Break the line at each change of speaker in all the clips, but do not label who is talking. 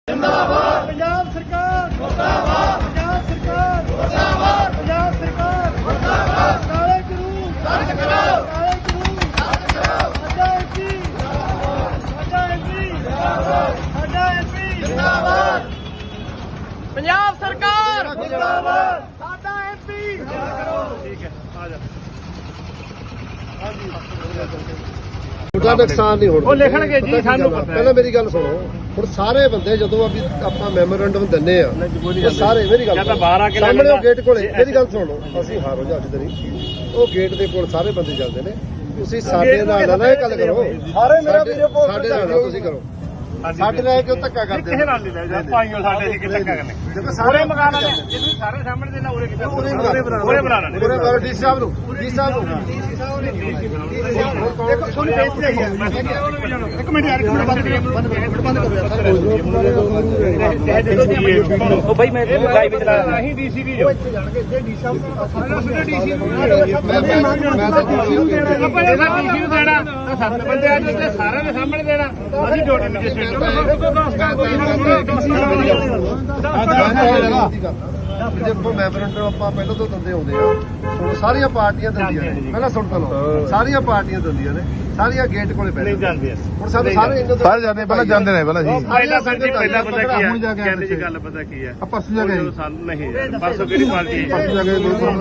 जिंदाबाद पंजाब सरकार मुर्दाबाद पंजाब सरकार मुर्दाबाद पंजाब सरकार मुर्दाबाद काले कानून रद्द करो काले कानून रद्द करो साडा एमपी जिंदाबाद पंजाब सरकार मुर्दाबाद साडा एमपी ठीक है आ जा
ਉਹਦਾ ਨੁਕਸਾਨ ਨਹੀਂ ਹੋਣਾ।
ਉਹ ਲਿਖਣਗੇ ਜੀ, ਸਾਨੂੰ ਪਤਾ ਹੈ।
ਪਹਿਲਾਂ ਮੇਰੀ ਗੱਲ ਸੁਣੋ, ਹੁਣ ਸਾਰੇ ਬੰਦੇ ਜਦੋਂ ਆਪਾਂ ਮੈਮੋਰੈਂਡਮ ਦਿੰਦੇ ਆ ਉਹ ਸਾਰੇ ਮੇਰੀ ਗੱਲ ਸਾਹਮਣੇ ਉਹ ਗੇਟ ਕੋਲੇ ਮੇਰੀ ਗੱਲ ਸੁਣੋ, ਅਸੀਂ ਹਾਰੋ ਜਾ ਤੇਰੀ ਉਹ ਗੇਟ ਦੇ ਕੋਲ ਸਾਰੇ ਬੰਦੇ ਚੱਲਦੇ ਨੇ, ਤੁਸੀਂ ਸਾਡੇ ਨਾਲ ਨਾ ਇਹ ਗੱਲ ਕਰੋ, ਸਾਰੇ ਮੇਰਾ ਵੀਰੇ ਸਾਡੇ ਨਾਲ ਤੁਸੀਂ ਕਰੋ, ਸਾਡੇ ਨਾਲ ਕਿਉਂ ਧੱਕਾ ਕਰਦੇ
ਕਿਸੇ ਨਾਲ ਨਹੀਂ ਲੈ ਜਾ ਭਾਈਓ ਸਾਡੇ ਅਸੀਂ ਕਿ ਧੱਕਾ ਕਰਨੇ
ਦੇਖੋ
ਸਾਰੇ ਮਕਾਨ ਵਾਲੇ ਜੇ ਤੁਸੀਂ ਸਾਰੇ ਸਾਹਮਣੇ ਦੇ ਨਾ ਉਰੇ ਕਿੱਥੇ ਉਰੇ ਬਣਾ ਲੈਣੇ
ਪੂਰੇ ਬਾਰ ਡੀ ਸਾਹਿਬ ਨੂੰ ਡੀ ਸਾਹਿਬ ਨੂੰ
ਦੇਖੋ ਸੁਣ ਬੇਇੱਜ਼ਤੀ ਆਈ ਹੈ ਇੱਕ ਮਿੰਟ ਯਾਰ ਬੰਦ ਕਰੋ ਯਾਰ ਉਹ ਭਾਈ ਮੈਂ ਲਾਈਵ ਚਲਾ ਰਿਹਾ ਨਹੀਂ ਡੀਸੀ ਵੀ ਜੋ ਇੱਥੇ ਜਾਣਗੇ ਜੇ ਡੀ ਸਾਹਿਬ ਡੀਸੀ ਨੂੰ ਆਪਾਂ ਇਹਦਾ ਡੀਸੀ ਨੂੰ ਦੇਣਾ ਤਾਂ ਸੱਤ ਬੰਦੇ ਆ ਜੇ ਸਾਰਿਆਂ ਦੇ ਸਾਹਮਣੇ ਦੇਣਾ ਅਸੀਂ ਡਿਊਟੀ ਮੈਜਿਸਟ੍ਰੇਟ
ਦੇਖੋ ਮੈਮੋਰੈਂਡਮ ਆਪਾਂ ਪਹਿਲਾਂ ਤੋਂ ਦਿੰਦੇ ਆਉਂਦੇ ਆ, ਹੁਣ ਸਾਰੀਆਂ ਪਾਰਟੀਆਂ ਦਿੰਦੀਆਂ ਨੇ, ਪਹਿਲਾਂ ਸੁਣ ਤਾਂ ਲਓ, ਸਾਰੀਆਂ ਪਾਰਟੀਆਂ ਦਿੰਦੀਆਂ ਨੇ, ਸਾਰੀਆਂ ਗੇਟ ਕੋਲੇ
ਨਹੀਂ ਜਾਂਦੇ ਆ
ਹੁਣ ਸਾਨੂੰ ਸਾਰੇ
ਸਾਰੇ ਜਾਂਦੇ ਪਹਿਲਾਂ ਜਾਂਦੇ ਨੇ ਪਹਿਲਾਂ ਜੀ
ਪਹਿਲਾਂ ਪਤਾ ਕੀ ਹੈ ਕਹਿੰਦੇ ਜੀ ਗੱਲ ਪਤਾ ਕੀ ਹੈ
ਪਰਸੋਂ ਜਾ ਕੇ
ਸਾਨੂੰ ਨਹੀਂ ਯਾਰ ਪਰਸੋਂ ਕਿਹੜੀ ਪਾਰਟੀ ਹੈ
ਪਰਸੋਂ ਜਾ ਕੇ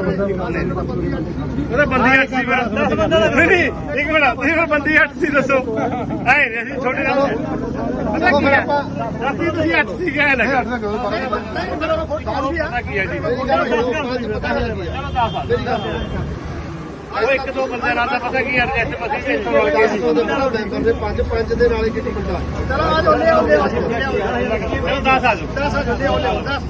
ਉਹਦਾ ਬੰਦੀ ਹੱਟ ਸੀ ਨਹੀਂ ਇੱਕ ਮਿੰਟ ਤੁਸੀਂ ਫਿਰ ਬੰਦੀ ਹੱਟ ਸੀ ਦੱਸੋ ਐ ਨਹੀਂ ਅਸੀਂ ਛੋਟੇ ਨਾਲ ਪਤਾ ਕੀ ਹੈ ਰਾਤੀ ਤੁਸੀਂ ਹੱਟ ਸੀ ਗਏ ਨਾ ਪਤਾ ਕੀ ਹੈ ਜੀ ਉਹ ਇੱਕ ਦੋ ਬੰਦੇ ਨਾਲ ਤਾਂ ਪਤਾ ਕੀ ਹੈ ਐਡਜਸਟ ਬਸੀ
ਕਰਦੇ ਪੰਜ ਦੇ ਨਾਲ ਇੱਕ ਬੰਦਾ
ਚਲੋ ਆ ਜਾਓ ਲੈ ਆਓ 10 ਆ ਜਾਓ 10 ਆ ਜਾਓ ਲੈ ਆਓ 10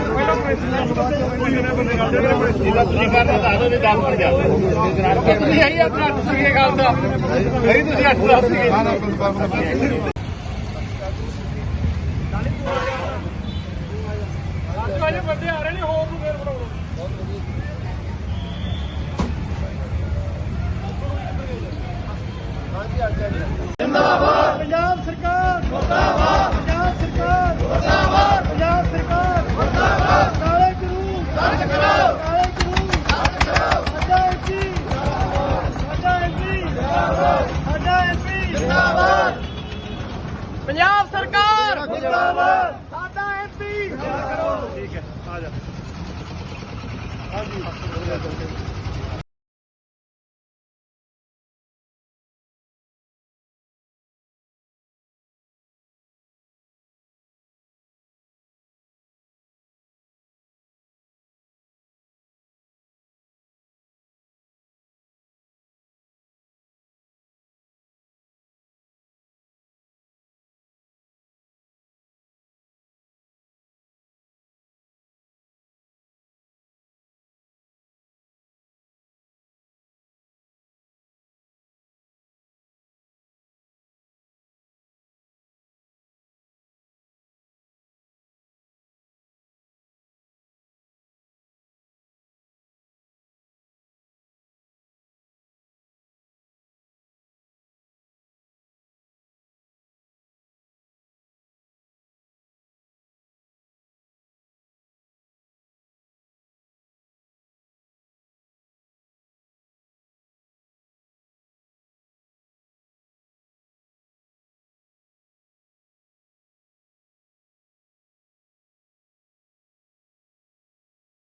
ਤੁਸੀਂ ਕਰਨਾ ਤਾਂ ਆਦੋ 10 ਬਣ ਜਾ ਤੁਸੀਂ ਆਈ ਆਪਣਾ ਤੁਸੀਂ ਇਹ ਗੱਲ ਦਾ ਨਹੀਂ ਤੁਸੀਂ 8 ਦੱਸ ਸੀਗੇ ਅੱਜ ਬੰਦੇ ਆ ਰਹੇ ਨੇ ਹੋਰ ਨੂੰ ਫੇਰ ਬਣਾਉਣਾ जिंदाबाद पंजाब सरकार मुर्दाबाद पंजाब सरकार मुर्दाबाद पंजाब सरकार मुर्दाबाद काले कानून रद्द करो काले कानून रद्द करो साडा एमपी जिंदाबाद पंजाब सरकार मुर्दाबाद साडा एमपी ठीक है आ जा हाँ जी